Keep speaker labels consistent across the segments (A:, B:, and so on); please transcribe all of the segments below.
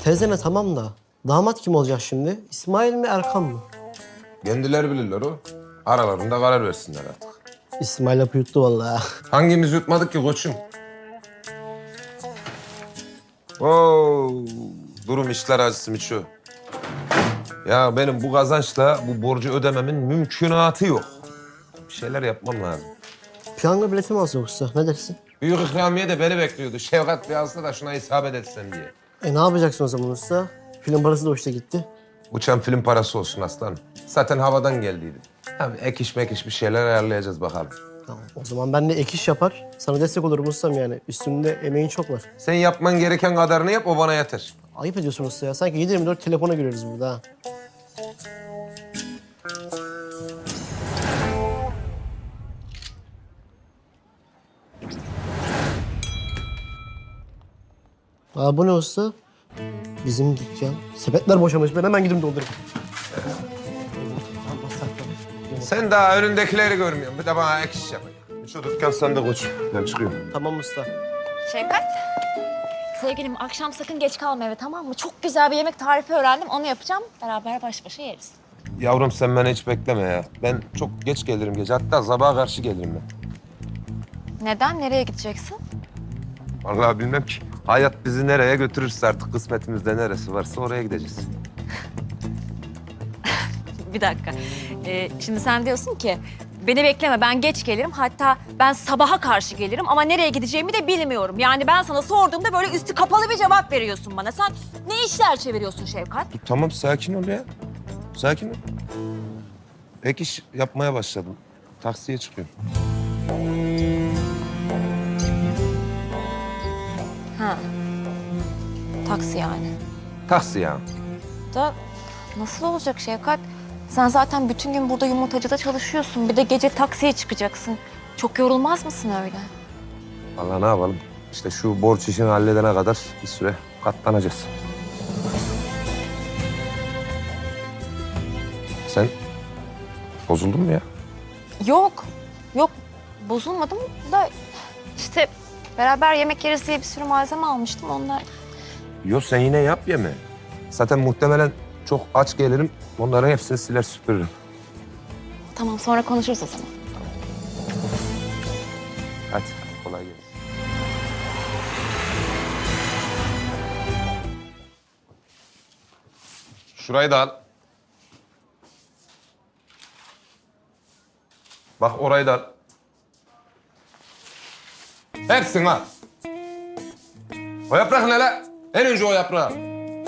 A: Teyzeme tamam da damat kim olacak şimdi? İsmail mi Erkan mı?
B: Kendileri bilirler o. Aralarında karar versinler artık.
A: İsmail hapı yuttu vallahi.
B: Hangimiz yutmadık ki koçum? Oo, durum işler acısı Miço. Ya benim bu kazançla bu borcu ödememin mümkünatı yok. Bir şeyler yapmam lazım.
A: Piyango bileti mi alsa yoksa? Ne dersin?
B: Büyük ikramiye de beni bekliyordu. Şevkat bir alsa da şuna isabet etsem diye.
A: Ne yapacaksın o zaman usta? Film parası da hoşta gitti.
B: Uçan film parası olsun aslanım. Zaten havadan geldiydi. Abi ek iş mek iş bir şeyler ayarlayacağız bakalım.
A: Tamam. O zaman ben de ek iş yapar. Sana destek olurum ustam yani. Üstümde emeğin çok var.
B: Sen yapman gereken kadarını yap, o bana yeter.
A: Ayıp ediyorsun usta ya. Sanki 7/24 telefona giriyoruz burada ha. Bu ne usta? Bizim dükkan. Sepetler boşamış. Ben hemen gidip doldurayım.
B: Sen daha önündekileri görmüyorsun. Bir de bana ek iş yapayım. Şu dükkan sende koç. Ben çıkıyorum.
A: Tamam usta.
C: Şevkat. Sevgilim akşam sakın geç kalma eve, tamam mı? Çok güzel bir yemek tarifi öğrendim. Onu yapacağım. Beraber baş başa yeriz.
B: Yavrum sen beni hiç bekleme ya. Ben çok geç gelirim gece. Hatta sabaha karşı gelirim ben.
C: Neden? Nereye gideceksin?
B: Vallahi bilmem ki. Hayat bizi nereye götürürse artık kısmetimizde neresi varsa oraya gideceğiz.
C: Bir dakika. Şimdi sen diyorsun ki beni bekleme, ben geç gelirim. Hatta ben sabaha karşı gelirim ama nereye gideceğimi de bilmiyorum. Yani ben sana sorduğumda böyle üstü kapalı bir cevap veriyorsun bana. Sen ne işler çeviriyorsun Şevkat?
B: Dur, tamam sakin ol ya. Sakin ol. Ek iş yapmaya başladım. Taksiye çıkıyorum.
C: Ha. Taksi yani.
B: Taksi ya.
C: Da nasıl olacak Şevkat? Sen zaten bütün gün burada yumurtacıda çalışıyorsun. Bir de gece taksiye çıkacaksın. Çok yorulmaz mısın öyle?
B: Vallahi ne yapalım? İşte şu borç işini halledene kadar bir süre katlanacağız. Sen bozuldun mu ya?
C: Yok. Yok. Bozulmadım da işte beraber yemek yeriz diye bir sürü malzeme almıştım. Onlar
B: Yok sen yine yap yeme. Zaten muhtemelen çok aç gelirim. Onların hepsini siler süpürürüm.
C: tamam, sonra konuşuruz o zaman.
B: Hadi kolay gelsin. Şurayı da al. Bak orayı da al. Hepsini al. O yaprak ne la? En önce o yaprağı al.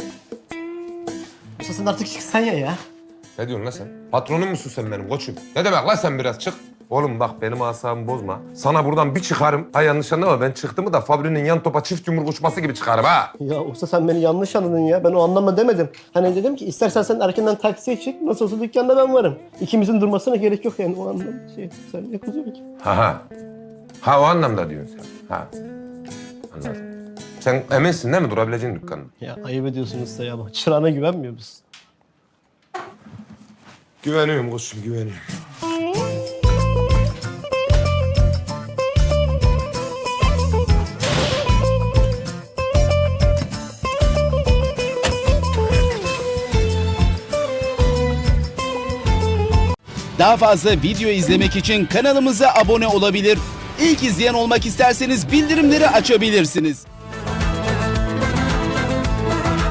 A: Usta sen artık çıksan ya.
B: Ne diyorsun lan sen? Patronum musun sen benim koçum? Ne demek lan sen biraz çık. Oğlum bak benim asabımı bozma. Sana buradan bir çıkarım. Ha yanlış anlama, ben çıktığımı da fabrinin yan topa çift yumruk uçması gibi çıkarım ha.
A: Ya usta sen beni yanlış anladın ya. Ben o anlamda demedim. Hani dedim ki istersen sen erkenden taksiye çık. Nasıl olsa dükkanda ben varım. İkimizin durmasına gerek yok yani o anlamda. Sen ne kızıyorsun ki?
B: Ha. Ha o anlamda diyorsun sen. Ha. Anladım. Sen eminsin değil mi durabileceğin dükkanın?
A: Ya ayıp ediyorsun usta ya. Bak çırağına güvenmiyor musun?
B: Güveniyorum koçum, güveniyorum.
D: Daha fazla video izlemek için kanalımıza abone olabilir. İlk izleyen olmak isterseniz bildirimleri açabilirsiniz.